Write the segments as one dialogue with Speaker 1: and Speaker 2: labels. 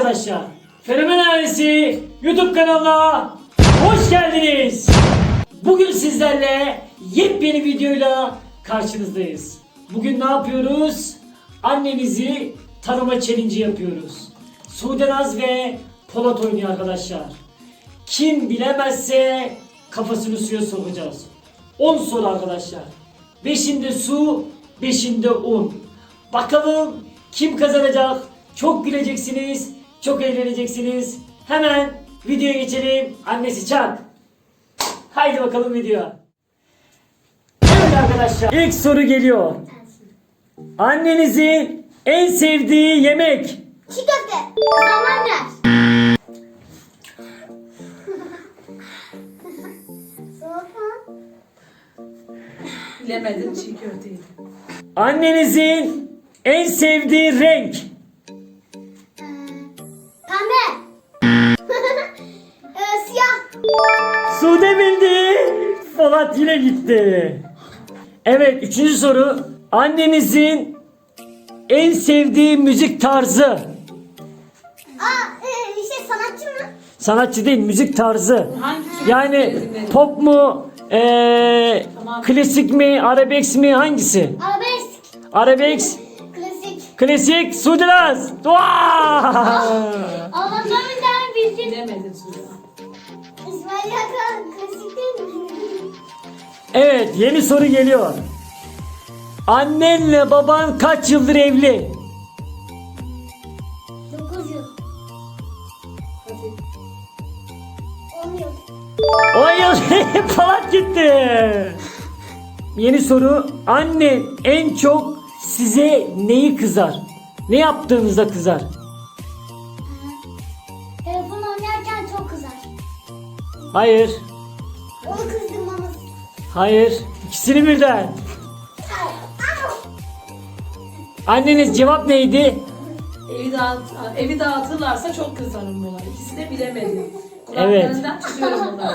Speaker 1: arkadaşlar, Fenomen Ailesi YouTube kanalına hoş geldiniz. Bugün sizlerle yepyeni videoyla karşınızdayız. Bugün ne yapıyoruz? Annenizi tanıma challenge yapıyoruz. Sude Naz ve Polat oynuyor arkadaşlar. Kim bilemezse kafasını suya sokacağız. 10 soru arkadaşlar. 5'inde su, 5'inde un. Bakalım kim kazanacak? Çok güleceksiniz, çok eğleneceksiniz. Hemen videoya geçelim. Annesi çak. Haydi bakalım videoya. Evet arkadaşlar, ilk soru geliyor. Annenizin en sevdiği yemek?
Speaker 2: Çiğ köfte. Salamandar. Soğuk.
Speaker 3: Bilemedim, çiğ köfteydi.
Speaker 1: Annenizin en sevdiği renk?
Speaker 2: Pembe. Siyah.
Speaker 1: Sude bildi. Polat yine gitti. Evet, üçüncü soru. Annenizin en sevdiği müzik tarzı?
Speaker 2: Sanatçı mı?
Speaker 1: Sanatçı değil, müzik tarzı.
Speaker 3: Hangisi?
Speaker 1: Yani pop mu,
Speaker 3: Tamam.
Speaker 1: klasik mi, arabesk mi, hangisi?
Speaker 2: Arabesk.
Speaker 1: Arabesk,
Speaker 2: Klasik.
Speaker 1: klasik, Sude Naz.
Speaker 2: Allah'tan bir tane bildim.
Speaker 3: Bilemedim Sude.
Speaker 2: İsmail Hakan klasik değil mi?
Speaker 1: Evet, yeni soru geliyor. Annenle baban kaç yıldır evli?
Speaker 2: 9 yıl.
Speaker 3: Hadi.
Speaker 2: 10 yıl.
Speaker 1: 10 yıl. Polat gitti. Yeni soru. Annen en çok size neyi kızar? Ne yaptığınızda kızar?
Speaker 2: Telefon oynarken çok kızar.
Speaker 1: Hayır.
Speaker 2: Onu kızdırmamız.
Speaker 1: Hayır. İkisini birden. Anneniz cevap neydi?
Speaker 3: Evi dağıtırlarsa çok kızarım buna. İkisi de bilemedi.
Speaker 1: Evet.
Speaker 3: Kulaklarından tutuyorum onları.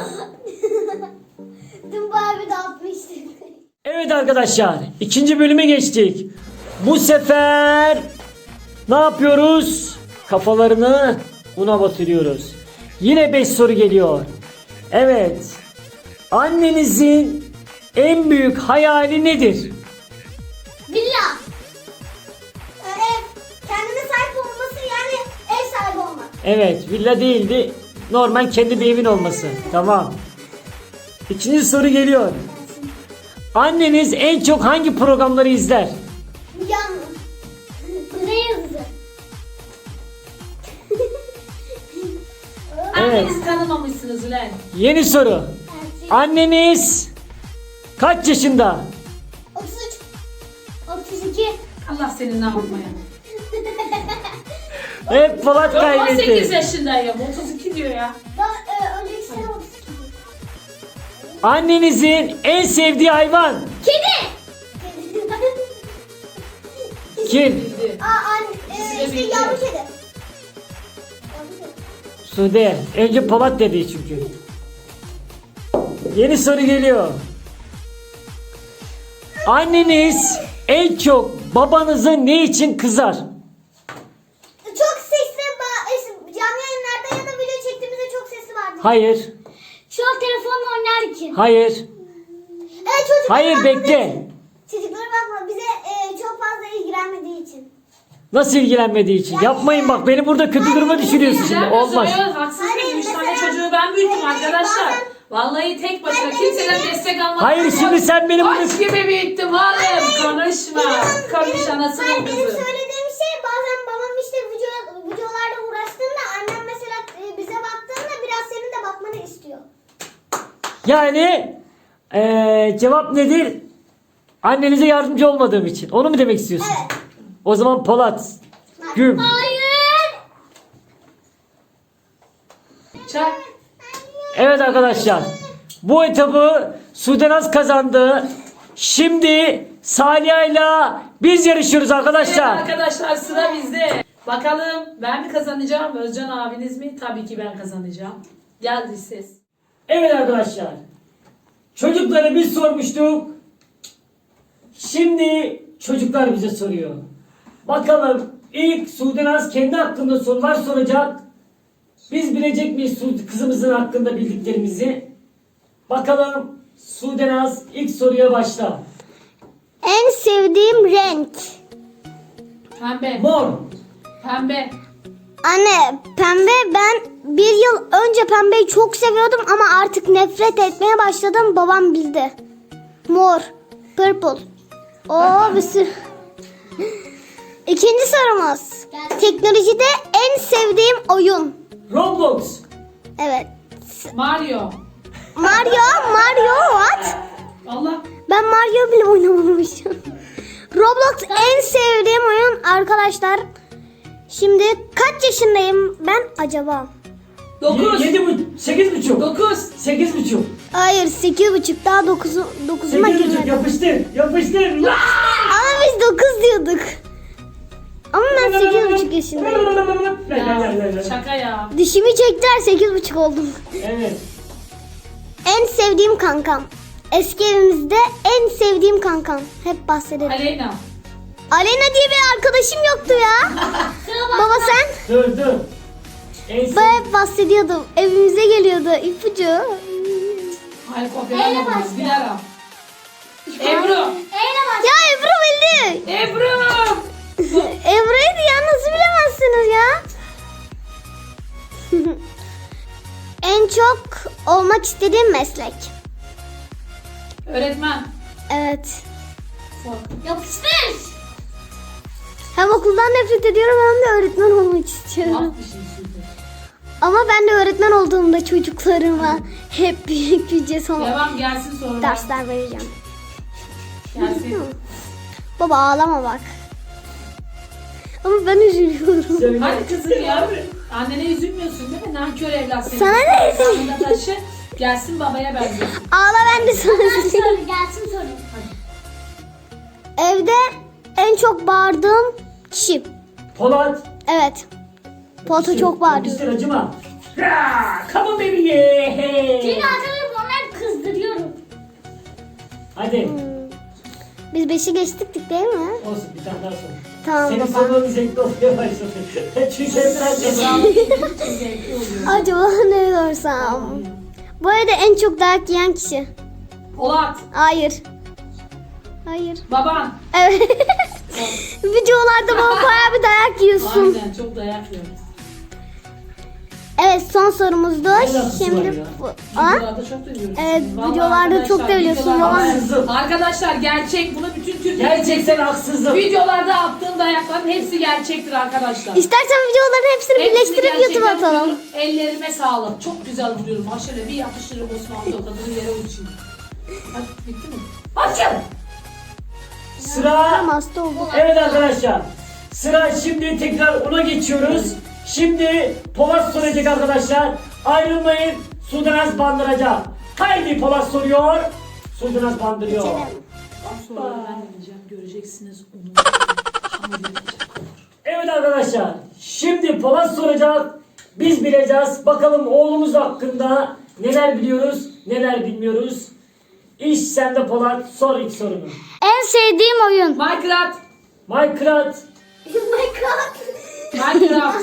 Speaker 2: Dün Barbie dağıtmıştı.
Speaker 1: Evet arkadaşlar, ikinci bölüme geçtik. Bu sefer ne yapıyoruz? Kafalarını una batırıyoruz. Yine 5 soru geliyor. Evet. Annenizin en büyük hayali nedir?
Speaker 2: Villa. Ev. Kendine sahip olması yani ev sahibi olmak.
Speaker 1: Evet, villa değildi. Normal kendi bir evin olması. Tamam. İkinci soru geliyor. Anneniz en çok hangi programları izler?
Speaker 2: Yalnız. Ne yazısı?
Speaker 1: Evet.
Speaker 3: Annenizi tanımamışsınız ulan.
Speaker 1: Yeni soru. Anneniz kaç yaşında?
Speaker 2: 33. 32.
Speaker 3: Allah seni ne yapmaya.
Speaker 1: Hep Polat
Speaker 3: Yok 18
Speaker 1: kaybetti.
Speaker 3: yaşındayım. 32 diyor ya.
Speaker 2: Daha önceki sene 32.
Speaker 1: Annenizin en sevdiği hayvan?
Speaker 2: Kedi.
Speaker 1: Kim?
Speaker 3: Bildi.
Speaker 2: İşte
Speaker 3: bildi.
Speaker 2: yavru kedi.
Speaker 1: Sude. Önce Polat dedi çünkü. Yeni soru geliyor. Anneniz en çok babanızı ne için kızar?
Speaker 2: Çok sesli canlı yayınlarda ya da video çektiğimizde çok sesli vardı.
Speaker 1: Hayır.
Speaker 2: Şu an telefonla oynarken.
Speaker 1: Hayır.
Speaker 2: Çocuklara
Speaker 1: Hayır,
Speaker 2: bakmadığı
Speaker 1: bekle.
Speaker 2: için. Çocuklara bakma bize çok fazla ilgilenmediği için.
Speaker 1: Nasıl ilgilenmediği için? Yapmayın bak, beni burada kötü duruma düşürüyorsun şimdi.
Speaker 3: Güzel
Speaker 1: Olmaz.
Speaker 3: söylüyor, haksız
Speaker 2: Hayır,
Speaker 3: mıyım? 3 tane
Speaker 2: mesela-
Speaker 3: çocuğu ben büyüttüm
Speaker 2: Hayır,
Speaker 3: arkadaşlar.
Speaker 2: bazen-
Speaker 3: Vallahi tek başına
Speaker 2: Hayır,
Speaker 3: kimseden
Speaker 2: benim-
Speaker 3: destek almadım.
Speaker 1: Hayır, şimdi sen beni burada...
Speaker 3: Aç gibi büyüttüm oğlum. Konuşma. Konuş anasının
Speaker 2: Benim
Speaker 3: kızı.
Speaker 2: söylediğim şey bazen babam işte videolarda uğraştığında annem mesela bize baktığında biraz senin de bakmanı istiyor.
Speaker 1: Yani cevap nedir? Annenize yardımcı olmadığım için. Onu mu demek istiyorsun?
Speaker 2: Evet.
Speaker 1: O zaman Polat. Güm.
Speaker 2: Hayır.
Speaker 3: Çak.
Speaker 1: Evet arkadaşlar. Bu etabı Sude Naz kazandı. Şimdi Saliha'yla biz yarışıyoruz
Speaker 3: Evet
Speaker 1: arkadaşlar.
Speaker 3: arkadaşlar, sıra bizde. Bakalım ben mi kazanacağım, Özcan abiniz mi? Tabii ki ben kazanacağım. Geldi ses.
Speaker 1: Evet arkadaşlar. Çocuklara biz sormuştuk. Şimdi çocuklar bize soruyor. Bakalım İlk Sudenaz kendi hakkında sorular soracak. Biz bilecek miyiz kızımızın hakkında bildiklerimizi? Bakalım Sudenaz ilk soruya başla.
Speaker 2: En sevdiğim renk.
Speaker 3: Pembe.
Speaker 1: Mor.
Speaker 3: Pembe.
Speaker 2: Anne pembe, ben bir yıl önce pembeyi çok seviyordum ama artık nefret etmeye başladım. Babam bildi. Mor. Purple. Oo bir sürü. İkinci sorumuz. Teknolojide en sevdiğim oyun.
Speaker 1: Roblox.
Speaker 2: Evet.
Speaker 3: Mario.
Speaker 2: Mario what?
Speaker 3: Allah.
Speaker 2: Ben Mario bile oynamamışım. Roblox en sevdiğim oyun arkadaşlar. Şimdi kaç yaşındayım ben acaba?
Speaker 3: 9.
Speaker 1: 8,5.
Speaker 3: 9.
Speaker 1: 8,5.
Speaker 2: Hayır 8,5, daha 9'uma
Speaker 1: 8,5
Speaker 2: girmedim.
Speaker 1: yapıştır.
Speaker 2: Ama biz 9 diyorduk. Ama ben 8,5 yaşındayım.
Speaker 3: Ya, şaka ya.
Speaker 2: Dişimi çektiler, 8,5 oldum.
Speaker 1: Evet.
Speaker 2: En sevdiğim kankam. Eski evimizde en sevdiğim kankam. Hep bahsederim.
Speaker 3: Aleyna.
Speaker 2: Aleyna diye bir arkadaşım yoktu ya. Baba sen?
Speaker 1: Dur. En
Speaker 2: Ben hep bahsediyordum. Evimize geliyordu. İpucu.
Speaker 3: Hayır kopyalayamadım. Dilara. Ebru.
Speaker 2: Ya Ebru bildi.
Speaker 3: Ebru.
Speaker 2: Ebru'ydu ya, nasıl bilemezsiniz ya? En çok olmak istediğim meslek.
Speaker 3: Öğretmen.
Speaker 2: Evet.
Speaker 3: Yapıştır.
Speaker 2: Hem okuldan nefret ediyorum hem de öğretmen olmak istiyorum.
Speaker 3: Laf bir şey sürdü.
Speaker 2: Ama ben de öğretmen olduğumda çocuklarıma hep büyük bir sonra
Speaker 3: Devam gelsin sorular.
Speaker 2: dersler vereceğim.
Speaker 3: Gelsin.
Speaker 2: Baba ağlama bak. Ama ben üzülüyorum.
Speaker 1: Söyle.
Speaker 3: Hadi kızım ya. Annene üzülmüyorsun değil mi? Nankör evlat senin.
Speaker 2: Sana ne üzül-
Speaker 3: Yanında taşı. Gelsin babaya benziyorsun.
Speaker 2: Ağla, ben de sana üzülüyorum.
Speaker 3: Gelsin soru.
Speaker 2: Evde en çok bağırdığım kişi.
Speaker 1: Polat.
Speaker 2: Evet. Polat'a çok bağırıyor.
Speaker 1: Yapıştır, acıma. Come on baby. Hey.
Speaker 2: onları kızdırıyorum.
Speaker 1: Hadi.
Speaker 2: Biz 5'i geçtik değil mi?
Speaker 1: Olsun, bir tane daha sor.
Speaker 2: Tamam
Speaker 1: Senin
Speaker 2: baba.
Speaker 1: sorunun zevkli olmaya başladı. Çünkü biraz
Speaker 3: Zevkli oluyor.
Speaker 2: Acaba ne sorsam? Bu arada en çok dayak yiyen kişi.
Speaker 3: Polat.
Speaker 2: Hayır. Hayır.
Speaker 3: Baban.
Speaker 2: Evet. Videolarda bana bayağı bir dayak yiyorsun.
Speaker 3: Aynen çok dayak yiyoruz.
Speaker 2: Evet, son sorumuzdu.
Speaker 1: alakası var
Speaker 2: Şimdi
Speaker 1: ya?
Speaker 2: Ha?
Speaker 3: Videolarda çok duyuyoruz.
Speaker 2: Evet,
Speaker 3: Vallahi
Speaker 2: videolarda çok
Speaker 3: arkadaşlar,
Speaker 2: dövüyorsun
Speaker 3: videolarda-
Speaker 2: baba.
Speaker 1: Haksızlık.
Speaker 3: Arkadaşlar gerçek, bunu bütün Türkiye
Speaker 1: Gerçekten haksızlık.
Speaker 3: videolarda attığım dayakların hepsi gerçektir arkadaşlar.
Speaker 2: İstersen videoların hepsini
Speaker 3: Hepsini
Speaker 2: birleştirip YouTube'a
Speaker 3: gerçekten
Speaker 2: atalım.
Speaker 3: vuruyorum. Ellerime sağlık. Çok güzel vuruyorum. Ha şöyle bir yapıştırırım Osman tokadını yere uçayım. Hadi bitti mi? Açın.
Speaker 1: Sıra.
Speaker 2: Tamam, hasta oldum.
Speaker 1: Evet arkadaşlar. Sıra şimdi tekrar ona geçiyoruz. Şimdi Polat soracak arkadaşlar. Ayrılmayın. Sudanaz bandıracak. Haydi Polat soruyor. Sudanaz bandırıyor.
Speaker 3: Sonra ben gideceğim. Göreceksiniz onu.
Speaker 1: Evet arkadaşlar. Şimdi Polat soracak. Biz bileceğiz. Bakalım oğlumuz hakkında neler biliyoruz, neler bilmiyoruz. İş sende Polat. Sor ilk sorunu.
Speaker 2: En sevdiğim oyun.
Speaker 3: Minecraft.
Speaker 1: Minecraft.
Speaker 3: Minecraft.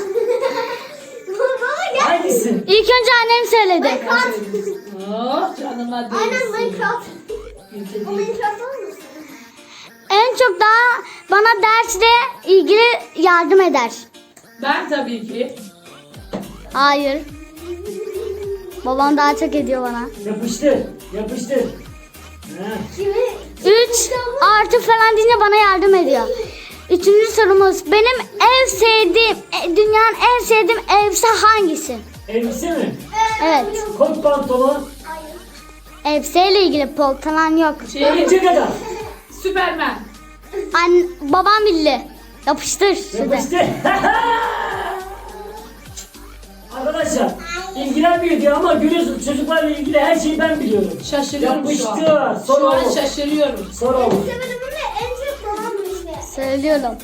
Speaker 1: Hangisi?
Speaker 2: İlk önce annem söyledi.
Speaker 3: Oh canıma değsin.
Speaker 2: Minecraft.
Speaker 3: Ülke
Speaker 2: O
Speaker 3: değil.
Speaker 2: Minecraft olmasın? En çok daha bana dersle ilgili yardım eder.
Speaker 3: Ben tabii ki.
Speaker 2: Hayır. Babam daha çok ediyor bana.
Speaker 1: Yapıştır. Yapıştır. Ha.
Speaker 2: 3 artı falan deyince bana yardım ediyor. Üçüncü sorumuz. Benim en sevdiğim, dünyanın en sevdiğim elbise hangisi?
Speaker 1: Elbise mi?
Speaker 2: Evet.
Speaker 1: Kot pantolon.
Speaker 2: Elbiseyle ilgili pantolon yok.
Speaker 1: Örümcek kadar.
Speaker 3: Süpermen.
Speaker 2: Babam bildi. Yapıştır. Şurada.
Speaker 1: Yapıştır. Arkadaşlar ilgilenmiyor diyor ama görüyorsun çocuklarla ilgili her şeyi ben biliyorum.
Speaker 3: Şaşırıyorum şu an.
Speaker 1: Yapıştır. Sor
Speaker 3: Şu an
Speaker 1: oğlum.
Speaker 3: şaşırıyorum.
Speaker 1: Sor oğlum.
Speaker 2: Söylüyorum.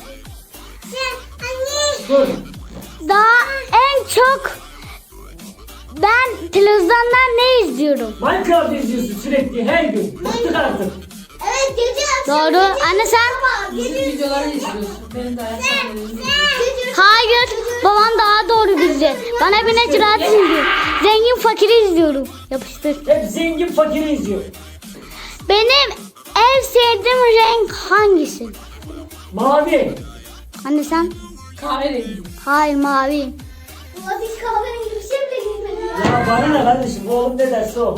Speaker 1: Dur.
Speaker 2: Daha en çok ben televizyondan ne izliyorum?
Speaker 1: Minecraft izliyorsun sürekli her gün. Bıktık artık.
Speaker 2: Doğru. Anne sen?
Speaker 3: Bizim videoları izliyorsun. Benim de ayak sahnelerimi izliyorsun.
Speaker 2: Hayır. Babam daha doğru bildi. Bana bir necraat izliyor. Zengin fakiri izliyorum. Yapıştır.
Speaker 1: Hep zengin fakiri izliyor.
Speaker 2: Benim en sevdiğim renk hangisi?
Speaker 1: Mavi.
Speaker 2: Anne sen?
Speaker 3: Kahverengi.
Speaker 2: Hayır mavi.
Speaker 4: Hiç kahverengi bir şey bile giymedim.
Speaker 1: Ya bana ne kardeşim? Oğlum ne derse o.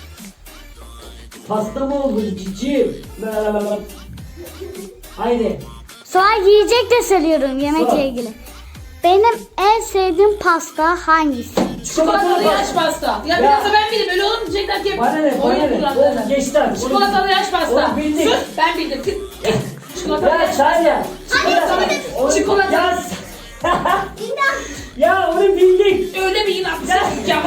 Speaker 1: Pasta mı oldu cici? Haydi.
Speaker 2: Sonra yiyecek de söylüyorum yemekle
Speaker 1: Sor.
Speaker 2: ilgili. Benim en sevdiğim pasta hangisi?
Speaker 3: Çikolatalı yaş pasta. Ya biraz da ben bildim. Öyle olur mu diyecekler ki.
Speaker 1: Bana ne? Bana
Speaker 3: Oyun
Speaker 1: ne?
Speaker 3: kuralları.
Speaker 1: Oğlum geçti artık.
Speaker 3: Çikolatalı yaş pasta.
Speaker 1: Onu bildik.
Speaker 3: Sus ben bildim. Çikolatalı
Speaker 1: Ya
Speaker 3: yaş
Speaker 1: Şahya.
Speaker 3: Çikolata.
Speaker 1: Ya, ya onu bildik.
Speaker 3: Öyle bir inat. Ya.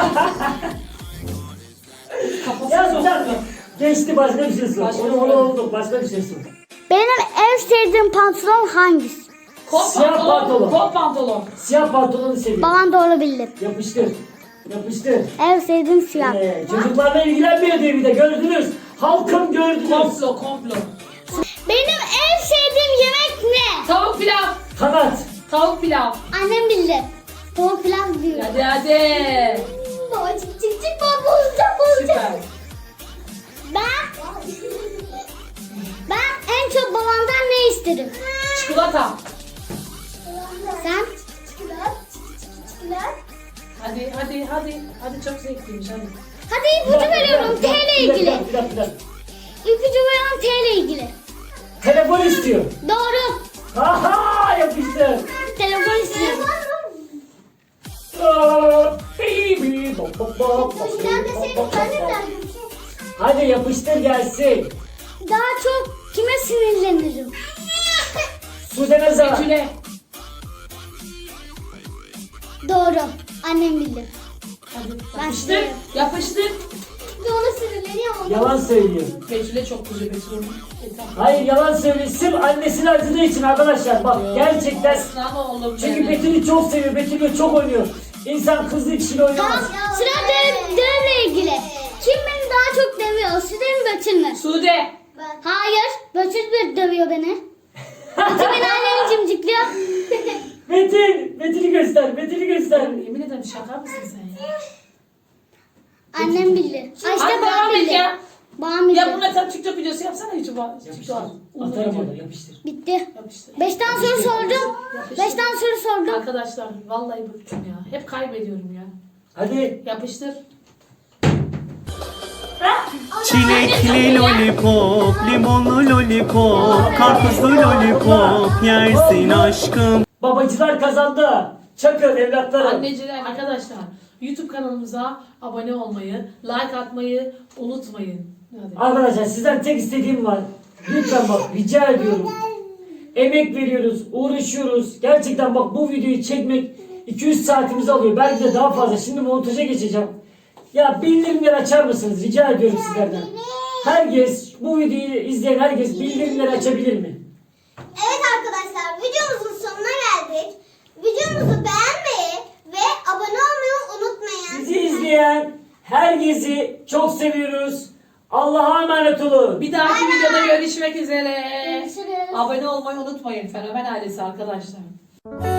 Speaker 3: Kafası
Speaker 1: Ya
Speaker 3: soktu.
Speaker 1: sen geçti başka bir şey sor.
Speaker 3: Başka
Speaker 1: Onu
Speaker 3: bir
Speaker 1: onu
Speaker 3: şey.
Speaker 1: olduk başka bir şey sor.
Speaker 2: Benim en sevdiğim pantolon hangisi?
Speaker 3: Kot
Speaker 1: Siyah
Speaker 3: pantolon.
Speaker 1: pantolon.
Speaker 3: Kot pantolon.
Speaker 1: Siyah pantolonu seviyorum.
Speaker 2: Babam doğru bildi.
Speaker 1: Yapıştır. Yapıştır.
Speaker 2: En sevdiğim siyah.
Speaker 1: Çocuklarla ilgilenmiyor diye bir de gördünüz. Halkım gördünüz.
Speaker 3: Komplo.
Speaker 2: Benim en sevdiğim yemek ne?
Speaker 3: Tavuk pilav.
Speaker 1: Kanat.
Speaker 3: Tavuk pilav.
Speaker 2: Annem bildi. Tavuk pilav diyor.
Speaker 3: Hadi.
Speaker 4: Baba çık çık çık baba bozacak.
Speaker 3: Süper.
Speaker 2: Ben en çok babamdan ne isterim?
Speaker 3: Çikolata.
Speaker 2: Sen?
Speaker 4: Çikolat.
Speaker 3: Hadi çok zevkliymiş hadi.
Speaker 2: Hadi ipucu veriyorum T ile ilgili.
Speaker 1: Bir dakika.
Speaker 2: İpucu veriyorum T ile ilgili.
Speaker 1: Telefon istiyor.
Speaker 2: Doğru.
Speaker 1: Aha yapıştır.
Speaker 2: Telefon istiyorum.
Speaker 1: Baby.
Speaker 4: Ben de senin annemden.
Speaker 1: Hadi yapıştır gelsin.
Speaker 2: Daha çok kime sinirlenirim?
Speaker 1: Sude Nazar.
Speaker 3: Betül'e.
Speaker 2: Doğru. Annem bildi.
Speaker 3: Hadi. Yapıştır. Yapıştır.
Speaker 4: Bir ona sinirleniyor ama.
Speaker 1: Yalan söylüyor.
Speaker 3: Betül'e çok güzel Betül'ün.
Speaker 1: Hayır yalan söylüyor. Sırf annesini acıdığı için arkadaşlar. Bak gerçekten.
Speaker 3: Ama oğlum
Speaker 1: Çünkü
Speaker 3: benim.
Speaker 1: Betül'ü çok seviyor. Betül'ü çok oynuyor. İnsan kızlı kişiyle oynamaz.
Speaker 2: Sıra dövle ilgili. Kim beni daha çok dövüyor? Sude mi Betül mü?
Speaker 3: Sude.
Speaker 2: Hayır. Betül bir dövüyor beni. Betül beni annemi cimcikliyor.
Speaker 1: Betül'ü göster. Betül'ü göster.
Speaker 3: Yemin ederim şaka mısın sen ya?
Speaker 2: Annem bildi. Ay işte
Speaker 3: Hadi
Speaker 2: babam
Speaker 3: devam et
Speaker 2: bildi.
Speaker 3: ya.
Speaker 2: Babam bildi.
Speaker 3: Ya bununla sen TikTok videosu yapsana YouTube'a.
Speaker 1: Yapıştır.
Speaker 3: TikTok'a.
Speaker 1: Atarım onu yapıştır.
Speaker 2: Bitti.
Speaker 3: Yapıştır.
Speaker 2: 5 tane soru sordum. 5 tane soru sordum.
Speaker 3: Arkadaşlar vallahi bıktım ya. Hep kaybediyorum ya.
Speaker 1: Hadi.
Speaker 3: Yapıştır.
Speaker 5: Çilekli lollipop, limonlu lollipop, karpuzlu lollipop yersin aşkım.
Speaker 1: Babacılar kazandı. Çakın evlatlarım.
Speaker 3: Anneciler arkadaşlar YouTube kanalımıza abone olmayı, like atmayı unutmayın. Hadi.
Speaker 1: Arkadaşlar sizden tek istediğim var. Lütfen bak rica ediyorum. Emek veriyoruz, uğraşıyoruz. Gerçekten bak bu videoyu çekmek 200 saatimizi alıyor. Belki de daha fazla. Şimdi montaja geçeceğim. Ya bildirimleri açar mısınız? Rica ediyorum sizlerden. Herkes, bu videoyu izleyen herkes bildirimleri açabilir mi?
Speaker 4: Evet arkadaşlar videomuzun sonuna geldik. Videomuzu beğenmeyi ve abone olmayı unutmayın.
Speaker 1: Bizi izleyen herkesi çok seviyoruz. Allah'a emanet olun.
Speaker 3: Bir dahaki videoda görüşmek üzere.
Speaker 4: Görüşürüz.
Speaker 3: Abone olmayı unutmayın Fenomen ailesi arkadaşlar.